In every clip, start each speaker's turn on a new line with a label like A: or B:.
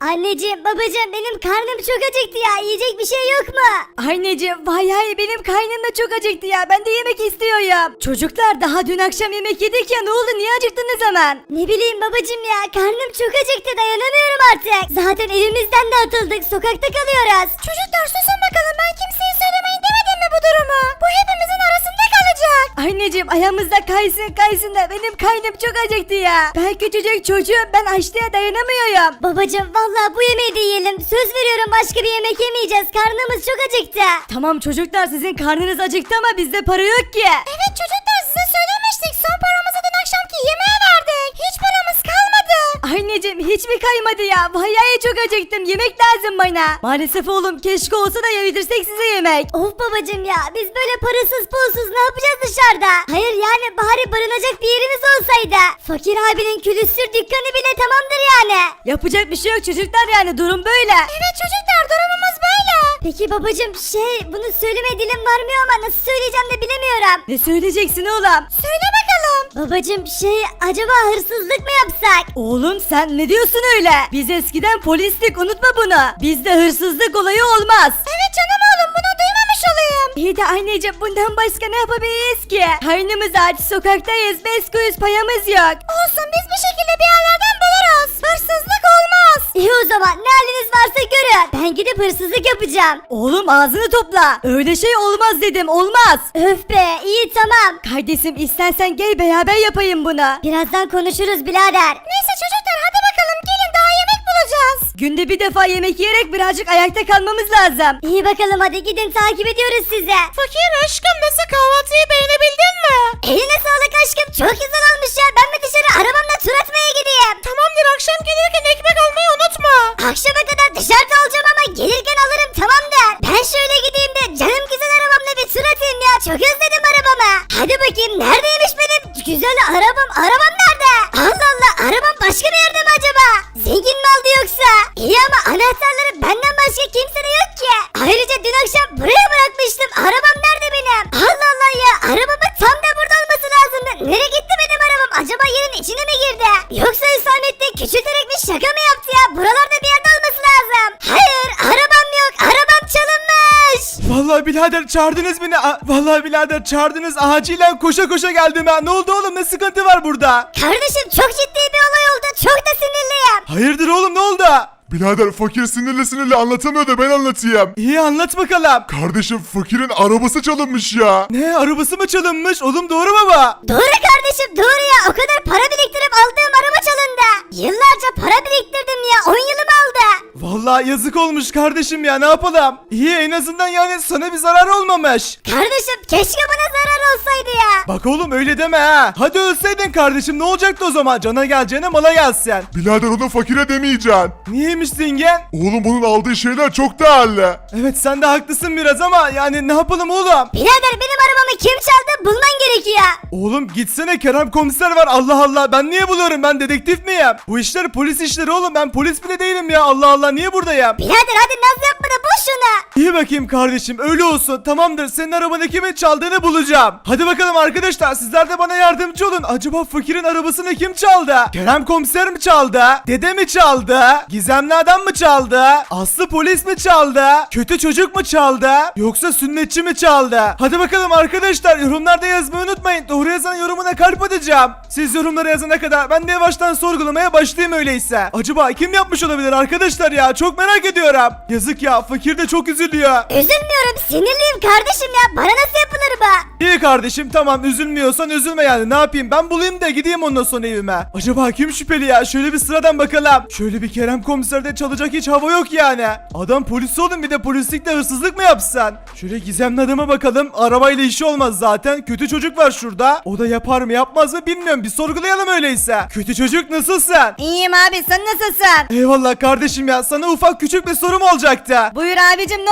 A: Anneciğim babacığım benim karnım çok acıktı ya. Yiyecek bir şey yok mu?
B: Anneciğim vay hay benim kaynım da çok acıktı ya. Ben de yemek istiyorum. Çocuklar daha dün akşam yemek yedik ya, ne oldu, niye acıktınız hemen?
A: Ne bileyim babacığım ya. Karnım çok acıktı, dayanamıyorum artık. Zaten evimizden de atıldık. Sokakta kalıyoruz. Çocuklar susun bakalım, ben kimseye söylemeyin demedim mi bu durumu? Bu hepimizin arasında kalacak.
B: Anneciğim ayağımızda kaysın da benim kaynım çok acıktı ya. Ben küçücük çocuğum, ben açlığa dayanamıyorum.
A: Babacığım vallahi bu yemeği de yiyelim. Söz veriyorum başka bir yemek yemeyeceğiz. Karnımız çok acıktı.
B: Tamam çocuklar, sizin karnınız acıktı ama bizde para yok ki.
A: Evet çocuklar, size söylemiştik. Son paramızı dün akşamki yemeğe verdik. Hiç paramız kalmadı.
B: Anneciğim hiç mi kaymadı ya? Vallahi çok acıktım, yemek lazım bana. Maalesef oğlum, keşke olsa da yedirsek size yemek.
A: Of babacığım ya, biz böyle parasız pulsuz ne yapacağız dışarıda? Hayır yani bari barınacak bir yerimiz olsaydı. Fakir abinin külüstür dükkanı bile tamamdır yani.
B: Yapacak bir şey yok çocuklar, yani durum böyle.
A: Evet çocuklar, durumumuz böyle. Peki babacığım bunu söyleme dilim varmıyor ama nasıl söyleyeceğim de bilemiyorum.
B: Ne söyleyeceksin oğlum?
A: Söyle bakalım. Babacığım acaba hırsızlık mı yapsak?
B: Oğlum sen ne diyorsun öyle? Biz eskiden polistik, unutma bunu. Bizde hırsızlık olayı olmaz.
A: Evet canım oğlum, bunu duymamış olayım.
B: İyi de anneciğim bundan başka ne yapabiliriz ki? Karnımız aç, sokaktayız, 5 kuruş payamız yok.
A: Olsun, biz bir şekilde bir yerlerden buluruz. Hırsızlık olmaz. İyi o zaman, ne haliniz varsa görün. Ben gidip hırsızlık yapacağım.
B: Oğlum ağzını topla. Öyle şey olmaz dedim, olmaz.
A: Öf be, iyi tamam.
B: Kardeşim istersen gel beraber yapayım bunu.
A: Birazdan konuşuruz birader. Neyse çocuklar, hadi bakalım gelin, daha yemek bulacağız.
B: Günde bir defa yemek yiyerek birazcık ayakta kalmamız lazım.
A: İyi bakalım, hadi gidin, takip ediyoruz sizi.
B: Fakir aşkım, nasıl, kahvaltıyı beğenebildin mi?
A: Eline sağlık aşkım, çok güzel olmuş ya. Ben mi dışarı arabamla tur atmaya gideyim?
B: Tamamdır, akşam gelirken ekmek almayı unutma.
A: Akşama kadar dışarıda olacağım ama gelirken alırım, tamamdır. Ben şöyle gideyim de canım güzel arabamla bir tur atayım ya. Çok özledim arabamı. Hadi bakayım, neredeymiş benim güzel arabam? Arabam nerede? Allah Allah, arabam başka bir yerde mi acaba? Zengin mi aldı yoksa? İyi ama anahtarları benden başka kimsede yok ki. Ayrıca dün akşam buraya bırakmıştım. Arabam nerede benim? Allah Allah ya, arabamın tam da burada olması lazımdı. Nereye gitti benim arabam? Acaba yerin içine mi girdi? Yoksa Hüsamettin küçülterek bir şaka mı yaptı ya? Buralarda bir yerde olması lazım. Hayır, arabam yok. Arabam çalınmış.
C: Vallahi birader çağırdınız beni. Vallahi birader çağırdınız. Acilen koşa koşa geldim ha. Ne oldu oğlum? Ne sıkıntı var burada?
A: Kardeşim çok ciddi bir olay oldu. Çok da sinirliyim.
C: Hayırdır oğlum, ne oldu?
D: Birader fakir sinirli anlatamıyor da ben anlatayım.
C: İyi, anlat bakalım.
D: Kardeşim fakirin arabası çalınmış ya.
C: Ne, arabası mı çalınmış? Oğlum doğru mu bu?
A: Doğru kardeşim, doğru ya. O kadar para biriktirip aldığım araba çalındı. Yıllarca para biriktirdim ya. 10 yılımı aldı.
C: Vallahi yazık olmuş kardeşim ya, ne yapalım? İyi, en azından yani sana bir zarar olmamış.
A: Kardeşim keşke bana zarar olsaydı ya.
C: Bak oğlum öyle deme ha. Hadi ölseydin kardeşim, ne olacaktı o zaman? Cana geleceğine mala gelsin.
D: Birader onu fakire demeyeceksin.
C: Niyeymiş zengin?
D: Oğlum bunun aldığı şeyler çok değerli.
C: Evet sen de haklısın biraz ama yani ne yapalım oğlum?
A: Birader benim arabamı kim çaldı bulman gerekiyor.
C: Oğlum gitsene, Kerem komiser var, Allah Allah, ben niye buluyorum, ben dedektif miyim? Bu işler polis işleri oğlum, ben polis bile değilim ya, Allah Allah, niye buradayım?
A: Birader hadi naz yapma da bul şunu.
C: İyi bakayım kardeşim, öyle olsun, tamamdır, senin arabanı kimin çaldığını bulacağım. Hadi bakalım arkadaşlar, sizler de bana yardımcı olun. Acaba fakirin arabasını kim çaldı? Kerem komiser mi çaldı? Dede mi çaldı? Gizemli adam mı çaldı? Aslı polis mi çaldı? Kötü çocuk mu çaldı? Yoksa sünnetçi mi çaldı? Hadi bakalım arkadaşlar, yorumlarda yazmayı unutmayın. Doğru yazan yorumuna kalp atacağım. Siz yorumlara yazana kadar ben de yavaştan sorgulamaya başlayayım öyleyse. Acaba kim yapmış olabilir arkadaşlar ya? Çok merak ediyorum. Yazık ya, fakir de çok üzülüyor.
A: Üzülmüyorum, sinirliyim kardeşim ya. Bana nasıl yapılır bu?
C: İyi kardeşim, tamam, üzülmüyorsan üzülme yani, ne yapayım, ben bulayım da gideyim ondan sonra evime. Acaba kim şüpheli ya? Şöyle bir sıradan bakalım. Şöyle bir Kerem komiserde çalacak hiç hava yok yani. Adam polis oğlum, bir de polislikle hırsızlık mı yapsan? Şöyle gizemli adama bakalım, arabayla işi olmaz zaten. Kötü çocuk var şurada. O da yapar mı yapmaz mı bilmiyorum, bir sorgulayalım öyleyse. Kötü çocuk nasılsın?
B: İyiyim abi, sen nasılsın?
C: Eyvallah kardeşim ya, sana ufak küçük bir sorum olacaktı.
B: Buyur abicim, ne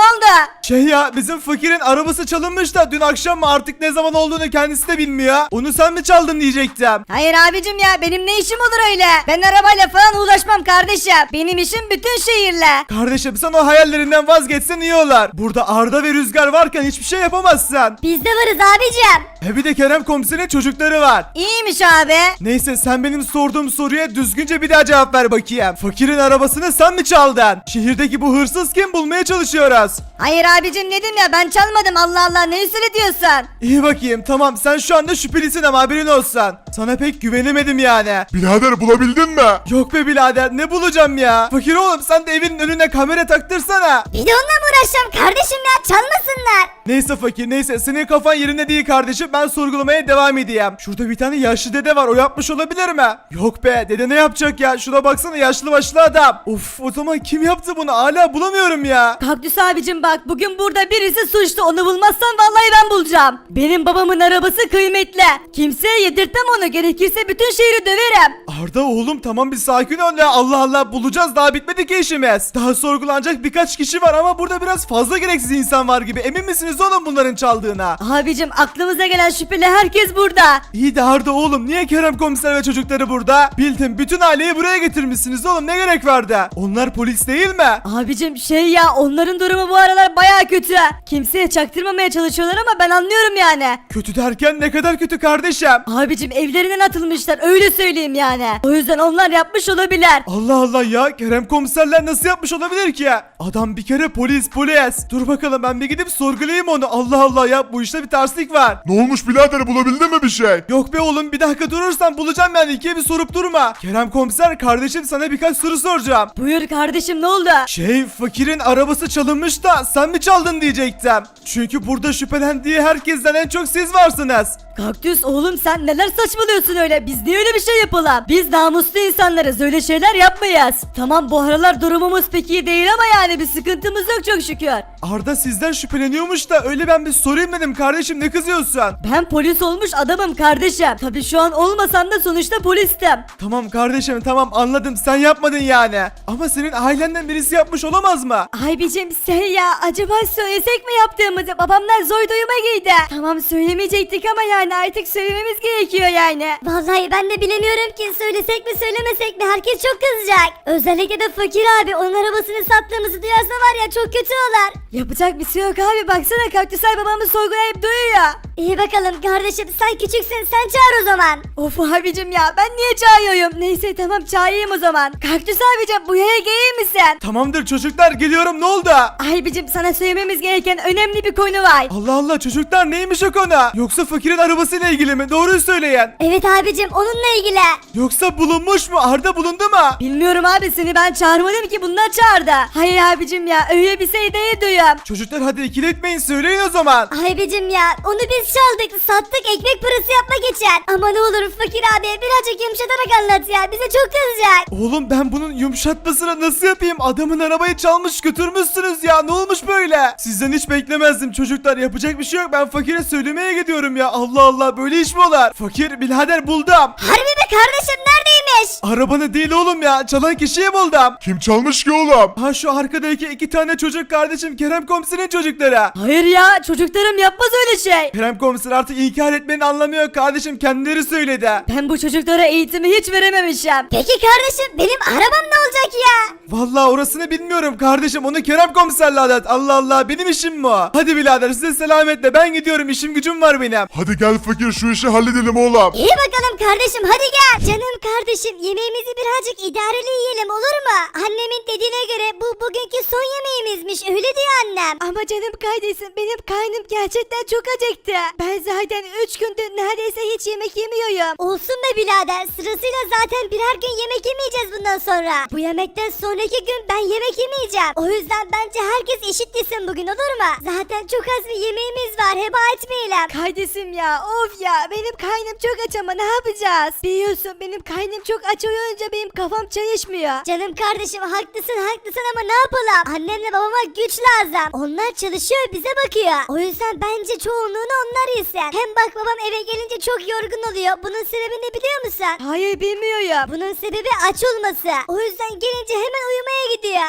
B: oldu?
C: Şey ya, bizim fakirin arabası çalınmış da dün akşam mı artık ne zaman olduğunu kendisi de bilmiyor. Onu sen mi çaldın diyecektim.
B: Hayır abicim ya, benim ne işim olur öyle? Ben arabayla falan uğraşmam kardeşim. Benim işim bütün şehirle.
C: Kardeşim sen o hayallerinden vazgeçsen iyi olur. Burada Arda ve Rüzgar varken hiçbir şey yapamazsın.
A: Biz de varız abicim.
C: Bir de Kerem komiserin çocukları var.
B: İyiymiş abi.
C: Neyse sen benim sorduğum soruya düzgünce bir daha cevap ver bakayım. Fakirin arabasını sen mi çaldın? Şehirdeki bu hırsız kim, bulmaya çalışıyoruz.
B: Hayır abicim, dedim ya, ben çalmadım, Allah Allah, ne üstüne diyorsun?
C: İyi bakayım, tamam, sen şu anda şüphelisin ama haberin olsun. Sana pek güvenemedim yani.
D: Birader bulabildin mi?
C: Yok be birader, ne bulacağım ya? Fakir oğlum, sen de evinin önüne kamera taktırsana.
A: Bir de onunla mı uğraşacağım kardeşim ya, çalmasınlar.
C: Neyse fakir, neyse, senin kafan yerinde değil kardeşim, ben sorgulamaya devam edeyim. Şurada bir tane yaşlı dede var, o yapmış olabilir mi? Yok be, dede ne yapacak ya? Şuna baksana, yaşlı başlı adam. Of, o zaman kim yaptı bunu? Hala bulamıyorum ya.
B: Kaktüs abicim bak, bugün burada birisi suçlu, onu bulmazsan vallahi ben bulacağım. Benim babamın arabası kıymetli. Kimseye yedirtmem onu, gerekirse bütün şehri döverim.
C: Arda oğlum, tamam bir sakin ol ya, Allah Allah, bulacağız, daha bitmedi ki işimiz. Daha sorgulanacak birkaç kişi var ama burada biraz fazla gereksiz insan var gibi. Emin misiniz oğlum bunların çaldığına?
B: Abicim aklımıza gelen şüpheli herkes burada.
C: İyi de Arda oğlum, niye Kerem komiser ve çocukları burada? Bildim, bütün aileyi buraya getirmişsiniz oğlum, ne gerek vardı? Onlar polis değil mi?
B: Abicim şey ya, onların durumu bu aralar baya kötü. Kimseye çaktırmamaya çalışıyorlar ama ben anlıyorum yani.
C: Kötü derken ne kadar kötü kardeşim?
B: Abicim evlerinden atılmışlar, öyle söyleyeyim yani. O yüzden onlar yapmış olabilir.
C: Allah Allah ya, Kerem komiserler nasıl yapmış olabilir ki? Adam bir kere polis. Dur bakalım, ben bir gidip sorgulayayım onu. Allah Allah ya, bu işte bir terslik var.
D: Ne olmuş birader, bulabildin mi bir şey?
C: Yok be oğlum, bir dakika durursan bulacağım yani, ikiye bir sorup durma. Kerem komiser kardeşim, sana birkaç soru soracağım.
B: Buyur kardeşim, ne oldu?
C: Fakirin arabası çalınmış da sen mi çaldın diyecektim. Çünkü burada şüphelendiği herkesten en çok siz varsınız.
B: Kaktüs oğlum, sen neler saçmalıyorsun öyle? Biz niye öyle bir şey yapalım? Biz namuslu insanlarız, öyle şeyler yapmayız. Tamam, bu aralar durumumuz pek iyi değil ama yani bir sıkıntımız yok çok şükür.
C: Arda sizden şüpheleniyormuş da öyle ben bir sorayım dedim kardeşim, ne kızıyorsun?
B: Ben polis olmuş adamım kardeşim. Tabii şu an olmasam da sonuçta polistim.
C: Tamam kardeşim, tamam, anladım, sen yapmadın yani. Ama senin ailenden birisi yapmış olamaz mı?
B: Abicim şey ya, acaba söylesek mi yaptığımızı? Babamlar zor duyuma girdi. Tamam, söylemeyecektik ama yani artık söylememiz gerekiyor yani.
A: Vallahi ben de bilemiyorum ki, söylesek mi söylemesek mi, herkes çok kızacak. Özellikle de fakir abi, onun arabasını sattığımızı duyarsa var ya, çok kötü olur.
B: Yapacak bir şey yok abi, baksana Kaktüsel babamı sorgulayıp duyuyor.
A: İyi bakalım kardeşim, sen küçüksün, sen çağır o zaman.
B: Of abicim ya, ben niye çağırıyorum? Neyse tamam, çağırayım o zaman. Kaktüs abicim, bu yaya gelir misin?
C: Tamamdır çocuklar, geliyorum, ne oldu?
B: Abicim sana söylememiz gereken önemli bir konu var.
C: Allah Allah, çocuklar neymiş o konu? Yoksa fakirin arabasıyla ilgili mi? Doğruyu söyleyin.
A: Evet abicim, onunla ilgili.
C: Yoksa bulunmuş mu? Arda bulundu mu?
B: Bilmiyorum abi, seni ben çağırmadım ki, bunlar çağırdı. Hayır abicim ya, öyle bir şey değil duyuyorum.
C: Çocuklar hadi ikiletmeyin, söyleyin o zaman.
A: Abicim ya, onu biz çaldık, sattık ekmek parası yapmak için. Ama ne olur fakir abiye birazcık yumuşatarak anlat ya, bize çok kızacak.
C: Oğlum ben bunun yumuşatmasını nasıl yapayım? Adamın arabayı çalmış götürmüşsünüz ya, ne olmuş böyle? Sizden hiç beklemezdim çocuklar, yapacak bir şey yok, ben fakire söylemeye gidiyorum ya. Allah Allah, böyle iş mi olur? Fakir birader, buldum.
A: Harbi mi kardeşim, neredeymiş?
C: Arabanı değil oğlum ya, çalan kişiyi buldum.
D: Kim çalmış ki oğlum?
C: Ha, şu arkadaki iki tane çocuk kardeşim, Kerem komiserin çocukları.
B: Hayır ya, çocuklarım yapmaz öyle şey.
C: Kerem komiser artık inkar etmenin anlamı yok kardeşim, kendileri söyledi.
B: Ben bu çocuklara eğitimi hiç verememişim.
A: Peki kardeşim, benim arabam ne olacak ya?
C: Vallahi orasını bilmiyorum kardeşim, onu Kerem komiserle anlat. Allah Allah, benim işim mi o? Hadi birader, size selametle, ben gidiyorum, işim gücüm var benim.
D: Hadi gel fakir, şu işi halledelim oğlum.
A: İyi bakalım kardeşim, hadi gel. Canım kardeşim, yemeğimizi birazcık idareli yiyelim, olur mu? Annemin dediğine göre bu bugünkü son yemeğimizmiş, öyle diyor annem.
B: Ama canım kardeşim, benim karnım gerçekten çok acıktı. Ben zaten 3 gündür neredeyse hiç yemek yemiyorum.
A: Olsun be birader, sırasıyla zaten birer gün yemek yemeyeceğiz bundan sonra. Bu yemekten sonraki gün ben yemek yemeyeceğim. O yüzden bence herkes eşit yesin bugün, olur mu? Zaten çok az bir yemeğimiz var, heba etmeyelim.
B: Kardeşim ya, of ya, benim karnım çok aç ama ne yapacağız? Biliyorsun benim karnım çok aç olunca benim kafam çalışmıyor.
A: Canım kardeşim, haklısın ama ne yapalım? Annemle babama güç lazım. Onlar çalışıyor, bize bakıyor. O yüzden bence çoğunluğunu onlar yesin. Hem bak, babam eve gelince çok yorgun oluyor. Bunun sebebi ne biliyor musun?
B: Hayır bilmiyorum.
A: Bunun sebebi aç olması. O yüzden gelince hemen uyumaya gidiyor.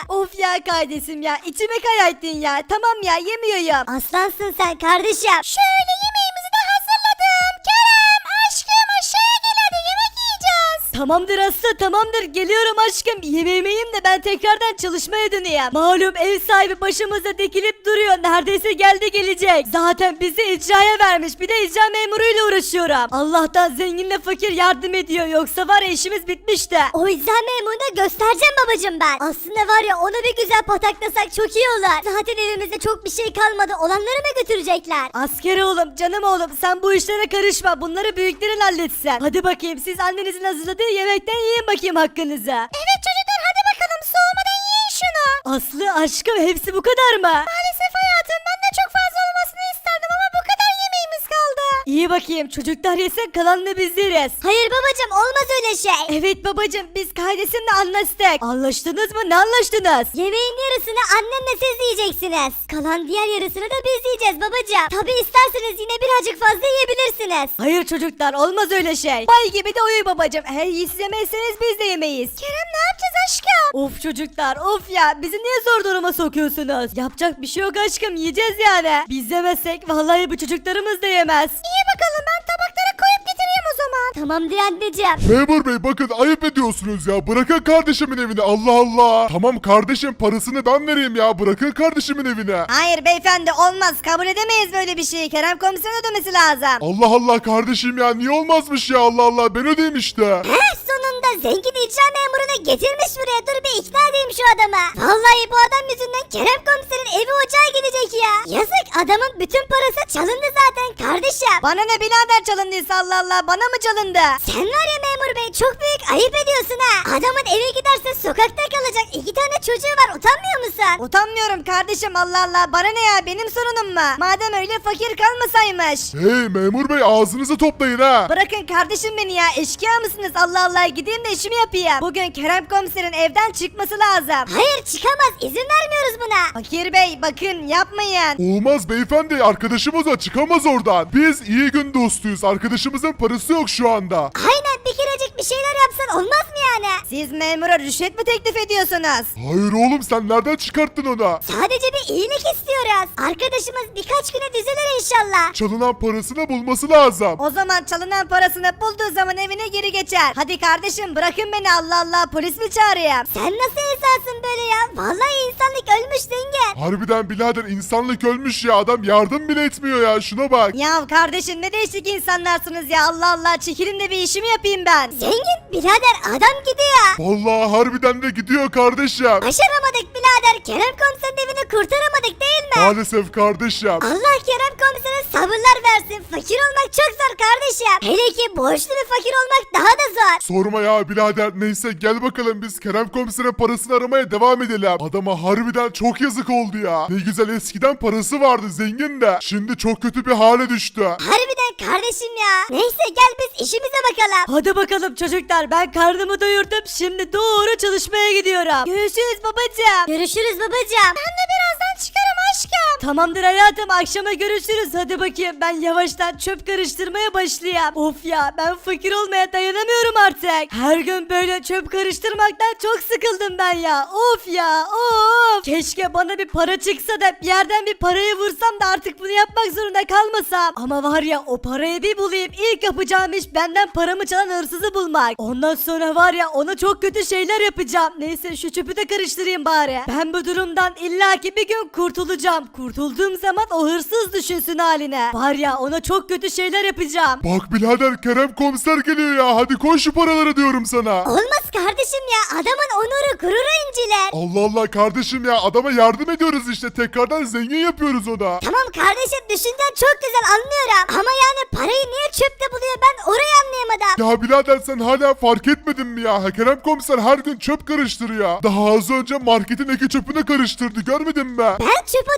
B: Of ya kardeşim ya içime kayattın ya. Tamam ya yemiyorum.
A: Aslansın sen kardeşim.
B: Şöyle yemeğimizi de hazırladım. Kerem aşkım aşağıya gel hadi yemek yiyeceğiz. Tamamdır Aslı tamamdır geliyorum aşkım. Yemeğimi yiyeyim de ben tekrardan çalışmaya döneyim. Malum ev sahibi başımıza dikilip duruyor. Neredeyse geldi gelecek. Zaten bizi icraya vermiş. Bir de icra memuruyla uğraşıyorum. Allah'tan zenginle fakir yardım ediyor. Yoksa var ya işimiz bitmişti.
A: O icra memuruna göstereceğim babacım ben. Aslında var ya ona bir güzel pataklasak çok iyi olur. Zaten evimizde çok bir şey kalmadı. Olanları mı götürecekler?
B: Asker oğlum canım oğlum sen bu işlere karışma. Bunları büyüklerin halletsin. Hadi bakayım siz annenizin hazırladığı yemekten yiyin bakayım hakkınızı. Evet çocuklar hadi bakalım soğumadan yiyin şunu. Aslı aşkım hepsi bu kadar mı? Maalesef hayatım ben de çok fazla olmasını isterdim ama bu kadar yemeğimiz kaldı. İyi bakayım çocuklar yesin kalanını biz yeriz.
A: Hayır babacım olmaz öyle şey.
B: Evet babacım biz kardeşimle anlaştık. Anlaştınız mı ne anlaştınız?
A: Yemeğin yarısını annemle siz yiyeceksiniz. Kalan diğer yarısını da biz yiyeceğiz babacım. Tabi isterseniz yine birazcık fazla yiyebilirsiniz.
B: Hayır çocuklar olmaz öyle şey. Bay gibi de uyu babacım. Eğer siz yemezseniz biz de yemeyiz. Kerem ne yapacağız aşkım? Of çocuklar of ya bizi niye zor duruma sokuyorsunuz? Yapacak bir şey yok aşkım yiyeceğiz yani. Biz yemezsek vallahi bu çocuklarımız da yemez. İyi bakalım ben tabaklara koyup getireyim o zaman.
A: Tamamdır anneciğim.
D: Memur bey bakın ayıp ediyorsunuz ya. Bırakın kardeşimin evini Allah Allah. Tamam kardeşim parasını ben vereyim ya. Bırakın kardeşimin evine.
B: Hayır beyefendi olmaz kabul edemeyiz böyle bir şeyi. Kerem komiserin ödemesi lazım.
D: Allah Allah kardeşim ya niye olmazmış ya Allah Allah ben ödeyim işte.
A: Heh sonunda zengin icra memurunu getirmiş buraya. Dur bir ikna edeyim şu adamı. Vallahi bu adam yüzünden Kerem komiserin evi ocağı gelecek ya. Yazık adamın bütün parası çalındı zaten kardeşim.
B: Bana ne birader çalındıysa Allah Allah bana mı çalındı?
A: Sen var ya memur bey çok büyük ayıp ediyorsun ha. Adamın eve giderse sokakta kalacak. 2 tane çocuğu var utanmıyor musun?
B: Utanmıyorum kardeşim Allah Allah bana ne ya benim sorunum mu? Madem öyle fakir kalmasaymış.
D: Hey memur bey ağzınızı toplayın ha.
B: Bırakın kardeşim beni ya eşkıya mısınız Allah Allah gideyim de işimi yapayım. Bugün Kerem komiserin evden çıkması lazım.
A: Hayır çıkamaz izin vermiyoruz buna.
B: Fakir bey bakın yapmayın.
D: Olmaz beyefendi arkadaşımız o çıkamaz oradan. Biz iyi gün dostuyuz arkadaşımızın parası yok şu anda.
A: Aynen bir kerecik bir şeyler yapsan olmaz mı yani?
B: Siz memura rüşvet mi teklif ediyorsunuz?
D: Hayır oğlum sen nereden çıkarttın onu?
A: Sadece bir iyilik istiyoruz. Arkadaşımız birkaç güne düzelir inşallah.
D: Çalınan parasını bulması lazım.
B: O zaman çalınan parasını bulduğu zaman evine geri geçer. Hadi kardeşim bırakın beni Allah Allah polis mi çağırayım?
A: Sen nasıl insansın böyle ya? Vallahi insanlık ölmüş zengin.
D: Harbiden birader insanlık ölmüş ya adam yardım bile etmiyor ya şuna bak.
B: Ya kardeşim ne değişik insanlarsınız ya Allah Allah çekilin de bir işimi yapayım ben.
A: Zengin birader adam gidiyor.
D: Vallahi harbiden de gidiyor kardeşim.
A: Başaramadık birader. Kerem komiserin evini kurtaramadık değil mi?
D: Maalesef kardeşim.
A: Allah Kerem komisere sabırlar versin. Fakir olmak çok zor kardeşim. Hele ki borçlu bir fakir olmak daha da zor.
D: Sorma ya birader neyse gel bakalım biz Kerem komiserin parasını aramaya devam edelim. Adama harbiden çok yazık oldu ya. Ne güzel eskiden parası vardı zengin de. Şimdi çok kötü bir hale düştü.
A: Harbiden kardeşim ya. Neyse gel biz işimize bakalım.
B: Hadi bakalım çocuklar ben karnımı doyurdum şimdi doğru çalışmaya gidiyorum. Görüşürüz babacığım.
A: Görüşürüz babacığım.
B: Ben de birazdan çıkarım aşkım. Tamamdır hayatım akşama görüşürüz hadi bakayım ben yavaştan çöp karıştırmaya başlayayım. Of ya ben fakir olmaya dayanamıyorum artık. Her gün böyle çöp karıştırmaktan çok sıkıldım ben ya. Of ya of. Keşke bana bir para çıksa da bir yerden bir parayı vursam da artık bunu yapmak zorunda kalmasam. Ama var ya o parayı bir bulayım ilk yapacağım iş benden paramı çalan hırsızı bulmak. Ondan sonra var ya ona çok kötü şeyler yapacağım. Neyse şu çöpü de karıştırayım bari. Ben bu durumdan illaki bir gün kurtulacağım. Kurtulduğum zaman o hırsız düşünsün haline. Var ya ona çok kötü şeyler yapacağım.
D: Bak birader Kerem komiser geliyor ya hadi koy şu paraları diyorum sana.
A: Olmaz kardeşim ya. Adamın onuru gururu inciler.
D: Allah Allah kardeşim ya adama yardım ediyoruz işte tekrardan zengin yapıyoruz ona.
A: Tamam kardeşim düşüncen çok güzel anlıyorum. Ama yani parayı niye çöpte buluyor ben orayı anlayamadım.
D: Ya birader sen hala fark etmedin mi ya? Kerem komiser her gün çöp karıştırıyor. Daha az önce marketin iki çöpünü karıştırdı görmedin mi?
A: Ben çöp atıyorsam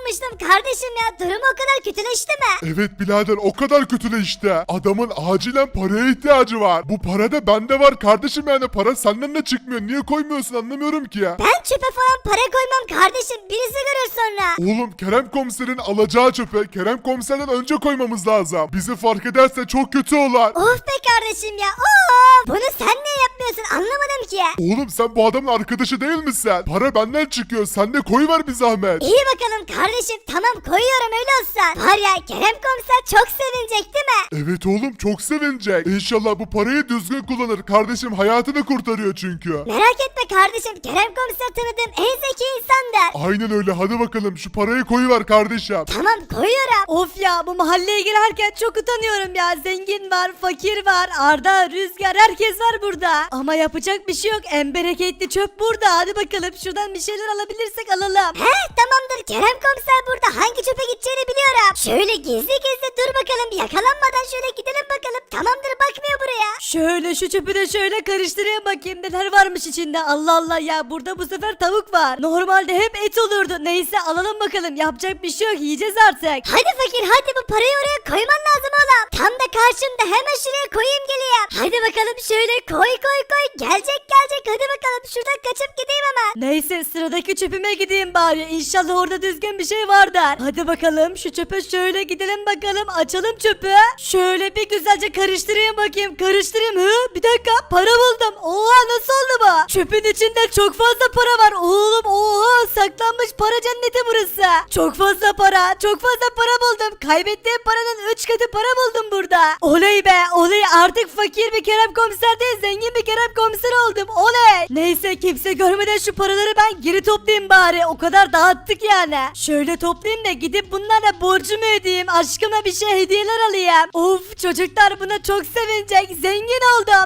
A: sanmıştım kardeşim ya. Durum o kadar kötüleşti mi?
D: Evet birader o kadar kötüleşti. Adamın acilen paraya ihtiyacı var. Bu para da bende var kardeşim, yani para senden de çıkmıyor. Niye koymuyorsun anlamıyorum ki.
A: Ben çöpe falan para koymam kardeşim. Birisi görür sonra.
D: Oğlum Kerem komiserin alacağı çöpe Kerem komiserden önce koymamız lazım. Bizi fark ederse çok kötü olur.
A: Of be kardeşim ya. Of. Bunu sen niye yapmıyorsun anlamadım ki.
D: Oğlum sen bu adamın arkadaşı değil misin? Para benden çıkıyor. Sen de koyver bir zahmet.
A: İyi bakalım kardeşim tamam koyuyorum öyle olsun. Var ya Kerem komiser çok sevinecek değil mi?
D: Evet oğlum çok sevinecek. İnşallah bu parayı düzgün kullanır. Kardeşim hayatını kurtarıyor çünkü.
A: Merak etme kardeşim Kerem komiser tanıdığım en zeki insandır.
D: Aynen öyle, hadi bakalım şu parayı koyuver kardeşim.
A: Tamam koyuyorum.
B: Of ya, bu mahalleye girerken çok utanıyorum ya. Zengin var, fakir var, Arda, Rüzgar, herkes var burada. Ama yapacak bir şey yok. En bereketli çöp burada. Hadi bakalım şuradan bir şeyler alabilirsek alalım.
A: He tamamdır Kerem komiser burada hangi çöpe gideceğini biliyorum. Şöyle gizli gizli dur bakalım yakalanmadan şöyle gidelim bakalım. Tamamdır bakmıyor buraya.
B: Şöyle şu çöpü de şöyle karıştırayım bakayım neler varmış içinde. Allah Allah ya, burada bu sefer tavuk var. Normalde hep et olurdu. Neyse alalım bakalım. Yapacak bir şey yok. Yiyeceğiz artık.
A: Hadi fakir hadi bu parayı oraya koyman lazım oğlum. Tam da karşımda hemen şuraya koyayım geleyim. Hadi bakalım şöyle koy. Gelecek hadi bakalım şuradan kaçıp gideyim hemen.
B: Neyse sıradaki çöpüme gideyim bari. İnşallah orada düzgün bir şey vardır. Hadi bakalım şu çöpe şöyle gidelim bakalım. Açalım çöpü. Şöyle bir güzelce karıştırayım bakayım. Karıştırayım. Bir dakika, para buldum. Oha, nasıl oldu bu? Çöpün içinde çok fazla para var. Oğlum oha, saklanmış para cenneti burası. Çok fazla para buldum. Kaybettiğim paranın 3 katı para buldum burada. Oley be oley, artık fakir bir Kerem komiser değil, zengin bir Kerem komiser oldum. Oley. Neyse kimse görmeden şu paraları ben geri toplayayım bari. O kadar dağıttık yani. Şöyle toplayayım da gidip bunlarla borcumu ödeyeyim. Aşkıma bir şey hediyeler alayım. Of, çocuklar buna çok sevinecek. Zengin oldum.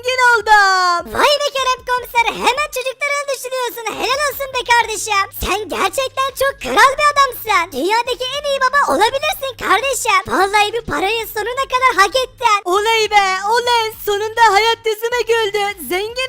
A: Vay be Kerem komiser hemen çocukları düşünüyorsun. Helal olsun be kardeşim. Sen gerçekten çok kral bir adamsın. Dünyadaki en iyi baba olabilirsin kardeşim. Vallahi bir parayı sonuna kadar hak ettin.
B: Oley be oley, sonunda hayat yüzüme güldü. Zengin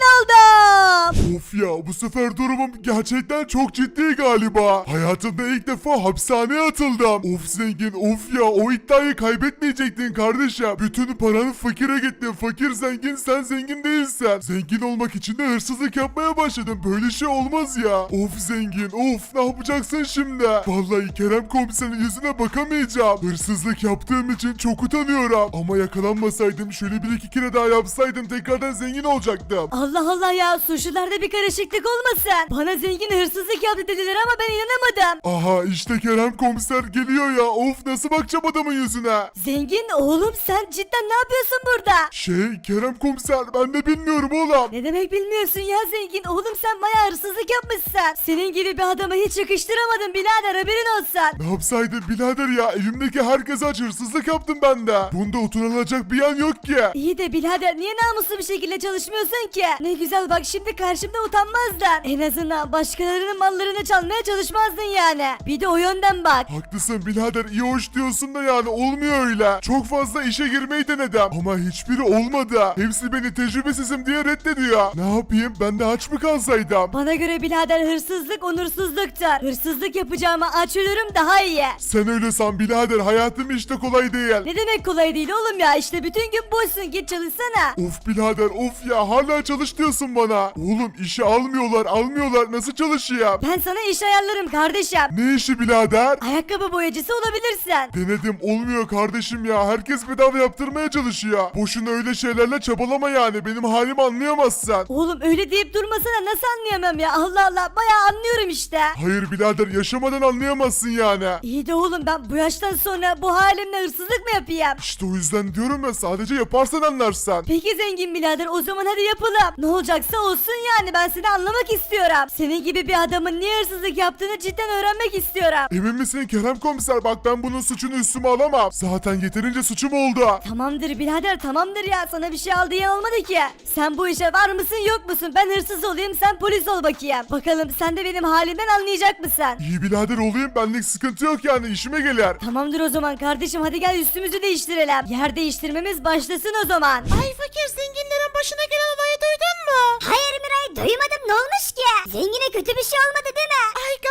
B: oldum.
D: Of ya, bu sefer durumum gerçekten çok ciddi galiba. Hayatımda ilk defa hapishaneye atıldım. Of zengin of ya, o iddiayı kaybetmeyecektin kardeşim. Bütün paranı fakire gitti. Fakir zengin, sen zengin değilsin. Zengin olmak için de hırsızlık yapmaya başladım. Böyle şey olmaz ya. Of zengin of, ne yapacaksın şimdi? Vallahi Kerem komiserin yüzüne bakamayacağım. Hırsızlık yaptığım için çok utanıyorum. Ama yakalanmasaydım, şöyle bir iki kere daha yapsaydım tekrardan zengin olacaktım.
B: Allah Allah ya, suçlularda bir karışıklık olmasın. Bana zengin hırsızlık yaptı dediler ama ben inanamadım.
D: Aha işte Kerem komiser geliyor ya. Of, nasıl bakacağım adamın yüzüne?
B: Zengin oğlum, sen cidden ne yapıyorsun burada?
D: Kerem komiser, ben de bilmiyorum oğlum.
B: Ne demek bilmiyorsun ya zengin? Oğlum sen bayağı hırsızlık yapmışsın. Senin gibi bir adama hiç yakıştıramadım birader, haberin olsun.
D: Ne yapsaydım birader ya, elimdeki herkese aç hırsızlık yaptım ben de. Bunda utanılacak bir yan yok ki.
B: İyi de birader, niye namuslu bir şekilde çalışmıyorsun ki? Ne güzel bak, şimdi karşımda utanmazdın. En azından başkalarının mallarını çalmaya çalışmazdın yani. Bir de o yönden bak.
D: Haklısın birader, iyi hoş diyorsun da yani olmuyor öyle. Çok fazla işe girmeyi denedim ama hiçbiri olmadı. Hepsi beni tecrübesizim diye reddediyor. Ne yapayım, ben de aç mı kalsaydım?
B: Bana göre birader hırsızlık onursuzluktur. Hırsızlık yapacağıma aç ölürüm daha iyi.
D: Sen öyle san birader, hayatım işte kolay değil.
B: Ne demek kolay değil oğlum ya, işte bütün gün boşsun, git çalışsana.
D: Of birader of ya, hala çalış diyorsun bana. Oğlum işe almıyorlar, nasıl çalışayım?
B: Ben sana iş ayarlarım kardeşim.
D: Ne işi birader?
B: Ayakkabı boyacısı olabilirsin.
D: Denedim, olmuyor kardeşim ya, herkes bedava yaptırmaya çalışıyor. Boşuna öyle şeylerle çabalama yani, benim halimi anlayamazsın.
B: Oğlum öyle deyip durmasana, nasıl anlayamam ya, Allah Allah, bayağı anlıyorum işte.
D: Hayır birader, yaşamadan anlayamazsın yani.
B: İyi de oğlum, ben bu yaştan sonra bu halimle hırsızlık mı yapayım?
D: İşte o yüzden diyorum ya, sadece yaparsan anlarsın.
B: Peki zengin birader, o zaman hadi yapalım. Ne olacaksa olsun yani, ben seni anlamak istiyorum. Senin gibi bir adamın niye hırsızlık yaptığını cidden öğrenmek istiyorum.
D: Emin misin Kerem komiser, bak ben bunun suçunu üstüme alamam. Zaten yeterince suçum oldu.
B: Tamamdır birader, tamamdır ya, sana bir şey al diye olmadı ki. Sen bu işe var mısın yok musun? Ben hırsız olayım, sen polis ol bakayım. Bakalım sen de benim halimden anlayacak mısın?
D: İyi birader olayım, benlik sıkıntı yok yani, işime gelir.
B: Tamamdır o zaman kardeşim, hadi gel üstümüzü değiştirelim. Yer değiştirmemiz başlasın o zaman.
A: Ay fakir zenginlerin başına gelen olayı duydun mu? Hayır Miray duymadım ne olmuş ki? Zengine kötü bir şey olmadı değil mi? Ay galiba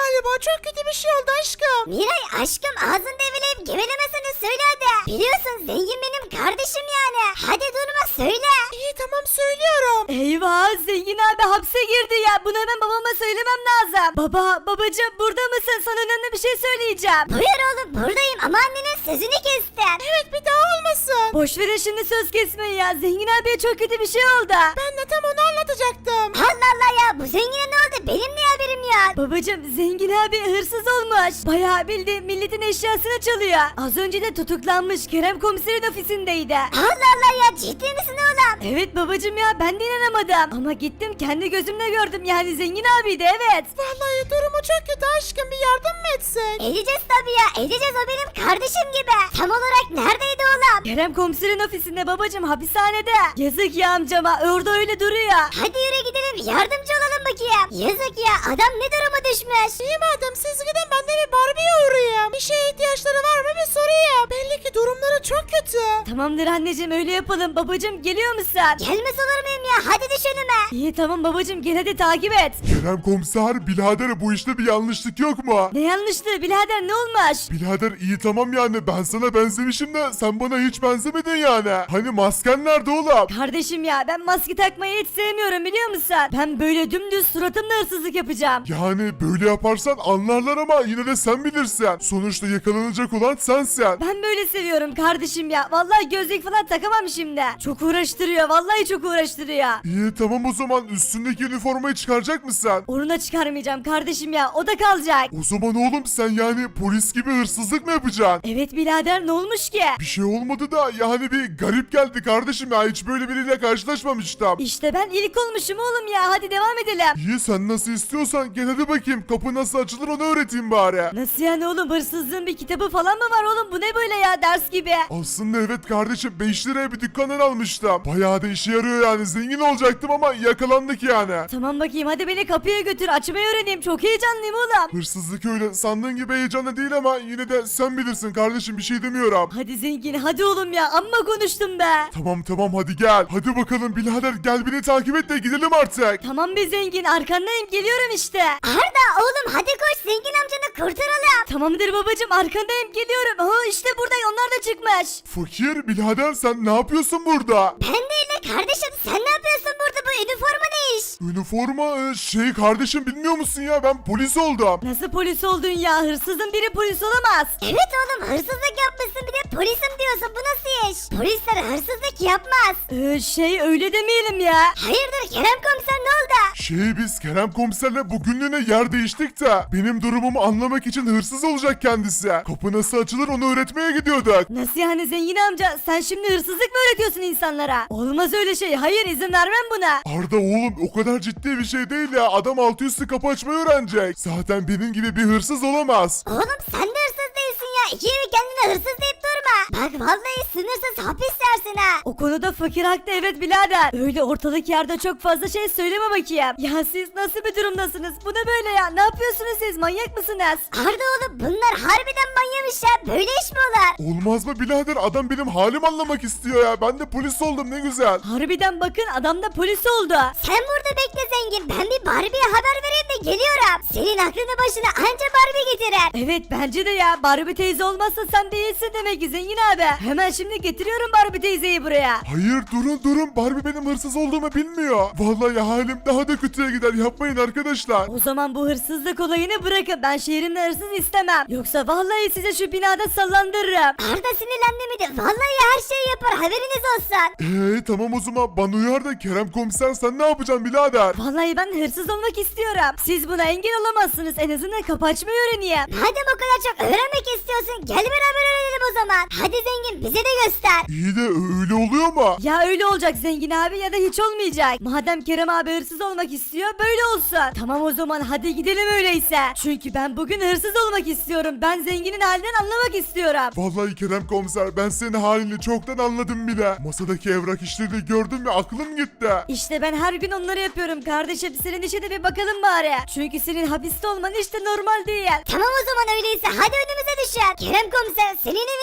A: çok kötü bir şey oldu aşkım. Miray aşkım ağzını develeyip gevelemesini söyle hadi. Biliyorsun zengin benim kardeşim yani. Hadi durma söyle. İyi tamam söylüyorum.
B: Eyvah zengin abi hapse girdi ya. Bunu hemen babama söylemem lazım. Babacığım burada mısın? Sana önemli bir şey söyleyeceğim.
A: Buyur oğlum buradayım ama annenin sözünü kestin. Evet bir daha olmasın.
B: Boş verin şimdi söz kesmeyi ya. Zengin abiye çok kötü bir şey oldu.
A: Ben de tam onu anlatacaktım. Allah Allah ya bu zengine ne oldu benim niye haberim yok.
B: Babacım zengin abi hırsız olmuş. Bayağı bildiğin milletin eşyasını çalıyor. Az önce de tutuklanmış Kerem komiserin ofisindeydi.
A: Allah Allah ya ciddi misin oğlum?
B: Evet babacım ya ben de inanamadım. Ama gittim kendi gözümle gördüm yani zengin abiydi evet.
A: Vallahi durumu çok kötü aşkım bir yardım mı etsek? Edeceğiz tabii ya edeceğiz o benim kardeşim gibi. Tam olarak neredeydi oğlum?
B: Kerem komiserin ofisinde babacım hapishanede. Yazık ya amcama orada öyle duruyor.
A: Hadi yürü gidelim yardımcı olalım bakayım. Yazık ya adam ne duruma düşmüş. İyi madem siz gidin ben de bir Barbie'ye uğrayayım. Bir şeye ihtiyaçları var mı bir sorayım. Belli ki durumları çok kötü.
B: Tamamdır anneciğim öyle yapalım. Babacım geliyor musun?
A: Gelmez olur muyum ya hadi düş önüme.
B: İyi tamam babacım gel hadi takip et.
D: Kerem komiser birader bu işte bir yanlışlık yok mu?
B: Ne yanlıştı birader ne olmuş?
D: Birader iyi tamam yani ben sana benzemişim de sen bana hiç benzemedin yani. Hani masken nerede oğlum?
B: Kardeşim ya ben maske takmayı hiç sevmiyorum biliyor musun? Ben böyle dümdüz suratımla hırsızlık yapacağım.
D: Yani böyle yaparsan anlarlar ama yine de sen bilirsin. Sonuçta yakalanacak olan sensin.
B: Ben böyle seviyorum kardeşim ya. Vallahi gözlük falan takamam şimdi. Çok uğraştırıyor. Vallahi çok uğraştırıyor.
D: İyi tamam o zaman üstündeki üniformayı çıkaracak mısın?
B: Onu da çıkarmayacağım kardeşim ya. O da kalacak.
D: O zaman oğlum sen yani polis gibi hırsızlık mı yapacaksın?
B: Evet birader ne olmuş ki?
D: Bir şey olmadı da yani bir garip geldi kardeşim ya hiç böyle biriyle karşılaşmamıştım.
B: İşte ben ilk olmuşum oğlum ya. Hadi devam edelim.
D: İyi sen nasıl istiyorsan gel hadi bakayım kapı nasıl açılır onu öğreteyim bari.
B: Nasıl yani oğlum hırsızlığın bir kitabı falan mı var oğlum? Bu ne böyle ya ders gibi?
D: Aslında evet kardeşim 5 liraya bir dükkandan almıştım. Bayağı da işe yarıyor yani zengin olacaktım ama yakalandık yani.
B: Tamam bakayım hadi beni kapıya götür. Açmayı öğreneyim. Çok heyecanlıyım oğlum.
D: Hırsızlık öyle sandığın gibi heyecanlı değil ama yine de sen bilirsin kardeşim bir şey demiyorum.
B: Hadi zengin hadi oğlum ya. Amma konuştum be.
D: Tamam hadi gel. Hadi bakalım birader gel beni takip et de gidelim artık.
B: Tamam be zengin arkandayım geliyorum işte.
A: Arda oğlum hadi koş zengin amcanı kurtaralım.
B: Tamamdır babacım arkandayım geliyorum. Aa işte burada onlar da çıkmış.
D: Fakir birader sen ne yapıyorsun burada?
A: Ben değil de kardeşim sen ne yapıyorsun burada bu üniforma ne iş?
D: Üniforma kardeşim bilmiyor musun ya ben polis oldum.
B: Nasıl polis oldun ya? Hırsızın biri polis olamaz.
A: Evet oğlum hırsızlık yapmışsın bir de polisim diyorsun bu nasıl iş? Polisler hırsızlık yapmaz.
B: Öyle demeyelim ya.
A: Hayırdır Kerem komiser ne oldu?
D: Biz Kerem komiserle bugünlüğüne yer değiştik de benim durumumu anlamak için hırsız olacak kendisi. Kapı nasıl açılır onu öğretmeye gidiyorduk.
B: Nasıl yani zengin amca? Sen şimdi hırsızlık mı öğretiyorsun insanlara? Olmaz öyle şey. Hayır izin vermem buna.
D: Arda oğlum o kadar ciddi bir şey değil ya adam altı üstü kapı açmayı öğrenecek. Zaten benim gibi bir hırsız olamaz.
A: Oğlum sen de hırsız değilsin ya. İki evi kendine hırsız deyip durma. Bak vallahi sınırsız hapis yersin ha.
B: O konuda fakir haklı evet birader. Öyle ortalık yerde çok fazla şey söyleme bakayım. Ya siz nasıl bir durumdasınız? Bu ne böyle ya? Ne yapıyorsunuz siz? Manyak mısınız?
A: Arda oğlum bunlar harbiden manyamış ya. Böyle iş mi olur?
D: Olmaz mı birader adam benim halim anlamak istiyor ya. Ben de polis oldum ne güzel.
B: Harbiden bakın adam da polis oldu.
A: Sen burada bekle zengin. Ben bir Barbie'ye haber vereyim de geliyorum. Senin aklını başına anca Barbie getirir.
B: Evet bence de ya. Barbie teyze olmazsa sen değilsin demek ki zengin abi. Hemen şimdi getiriyorum Barbie teyzeyi buraya.
D: Hayır durun Barbie benim hırsız olduğumu bilmiyor. Vallahi halim daha da kötüye gider yapmayın arkadaşlar.
B: O zaman bu hırsızlık olayını bırakın. Ben şehrimde hırsız istemem. Yoksa vallahi size şu binada sallandırırım.
A: Arda sinirlendi mi de vallahi her şeyi yapar haberiniz olsun.
D: Tamam o zaman bana uyar da Kerem komiser sen ne yapacaksın birader?
B: Vallahi ben hırsız olmak istiyorum. Siz buna engel olamazsınız. En azından kapı açmayı öğreneyim.
A: Madem o kadar çok öğrenmek istiyorsun gel beraber öğrenelim o zaman. Hadi zengin bize de göster.
D: İyi de öyle oluyor mu?
B: Ya öyle olacak zengin abi ya da hiç olmayacak. Madem Kerem abi hırsız olmak istiyor böyle olsun. Tamam o zaman hadi gidelim öyleyse. Çünkü ben bugün hırsız olmak istiyorum. Ben zenginin halinden anlamak istiyorum.
D: Vallahi Kerem komiser ben senin halini çoktan anladım bile. Masadaki evrak işlerini gördüm ve aklım gitti.
B: İşte ben her gün onları yapıyorum kardeşim. Senin işe de bir bakalım bari. Çünkü senin hapiste olman işte normal değil.
A: Tamam o zaman öyleyse hadi önümüze düşer. Kerem komiser senin evinin kapısı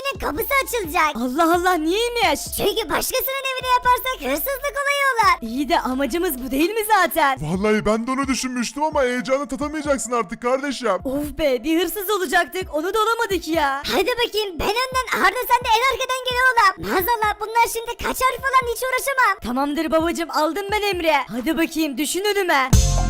A: üstü açılacak.
B: Allah Allah niyeymiş?
A: Çünkü başkasının evine yaparsak hırsızlık olayı olur.
B: İyi de amacımız bu değil mi zaten?
D: Vallahi ben de onu düşünmüştüm ama heyecanı tatamayacaksın artık kardeşim.
B: Of be bir hırsız olacaktık onu da olamadık ya.
A: Hadi bakayım ben önden Arda sen de en arkadan gel oğlum. Maazallah bunlar şimdi kaçar falan hiç uğraşamam.
B: Tamamdır babacım aldım ben emri. Hadi bakayım düşün önüme.